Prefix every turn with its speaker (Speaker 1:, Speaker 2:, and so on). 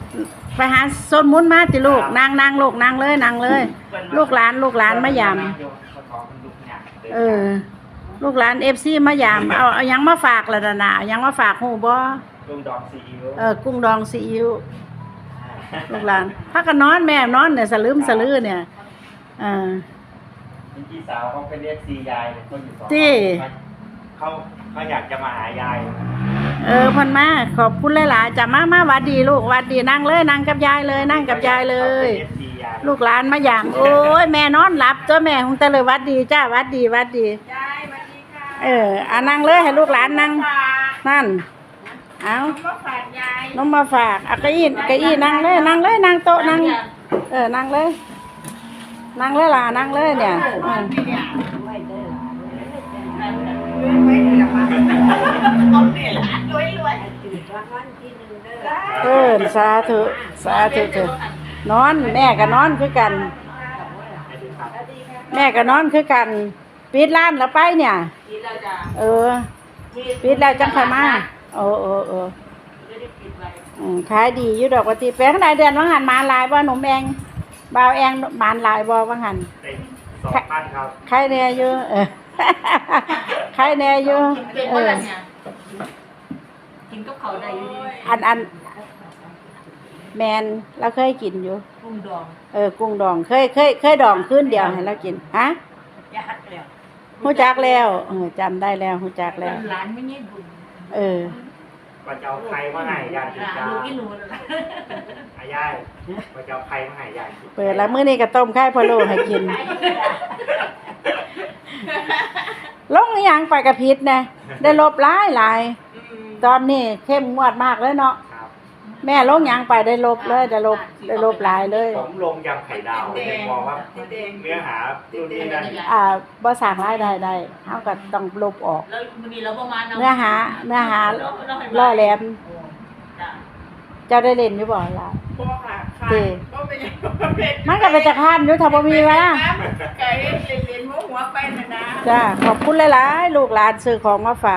Speaker 1: ไปหาโซนมุนมาติลูกนางลูกนางเลยนางเลย ลูกหลานมายามลูกหลานFCมายามเอายังมาฝากละนะเอายังมาฝากฮู้บ่
Speaker 2: กุ้งดองซีอิ๊ว
Speaker 1: กุ้งดองซีอิ๊วลูกหลานพักกันนอนแม่นอนเนี่ยสลืมสลือเนี่ย
Speaker 2: พี่สาวเขาไปเรียกซียายเขาอยู่สองเขาอยากจะมาหายาย
Speaker 1: พันมาขอบคุณหลายๆจะมาวัดดีลูกวัดดีนั่งเลยนั่งกับยายเลยนั่งกับยายเลยลูกหลานมาอย่างโอ้ยแม่นอนหลับตัวแม่คงแต่เลยวัดดีจ้าวัดดี
Speaker 3: ยายวัดดีค่ะ
Speaker 1: นั่งเลยให้ลูกหลานนั่งนั่นเอา
Speaker 3: มาฝากยาย
Speaker 1: น้องมาฝากเก้าอี้นั่งเลยนั่งโต๊ะนั่งนั่งเลยล่ะนั่งเลยเนี่ยสาธุเถอะนอนแม่ก็นอนคือกันปิดร้านแล้วไปเนี่ยปิดแล้วจังค่อยมาขายดีอยู่ดอกปกติไปข้างในเดือนว่างหันมาลายบ่หนุ่มแองบ่าวแองบานลายบ่ว่างหัน
Speaker 2: 2,000ครับ
Speaker 1: ใครแน่อยู่ใครแน่อยู่
Speaker 3: กินกับเขาได้อยู่
Speaker 1: อันแมนเราเคยกินอยู่
Speaker 3: กุ้งดอง
Speaker 1: กุ้งดองเคยดองคืนเดียวให้เรากินฮะฮู้จักแล้วจำได้แล้วฮู้จักแล้ว
Speaker 3: ร้านไม่ใช่บุญ
Speaker 2: ว่าจะเอาใครมาให้ยายกินจ้าายายว่าจะเอาใครมาให้ยาย
Speaker 1: เปิดแล้วมื้อนี้ก็ต้มไข่พะโล้ให้กินลงอีหยังไปกระพิษนะได้ลบหลายตอนนี้เข้มงวดมากเลยเนาะแม่ลงยังไปได้ลบเลยได้ลบหลายเลย
Speaker 2: ผมลงยำไข่ดาวมองว่าเนื้อหารุ่นนี้นั่น
Speaker 1: บ่สร้างรายได้เฮาก็ต้องลบออก
Speaker 3: แล้วมื้อนี้เราประมาณ
Speaker 1: เนื้อหาล่อแหลมเจ้าได้เล่นอยู่บ่ล่ะ
Speaker 3: บ่ค่ะบ่เป็น
Speaker 1: มันก็เป็นจักรพรรดิอยู่ถ้าบ่มีวะล่ะ
Speaker 3: ไก่เล่นหัวไปนะ
Speaker 1: จ้าขอบคุณหลายๆลูกหลานซื้อของมาฝาก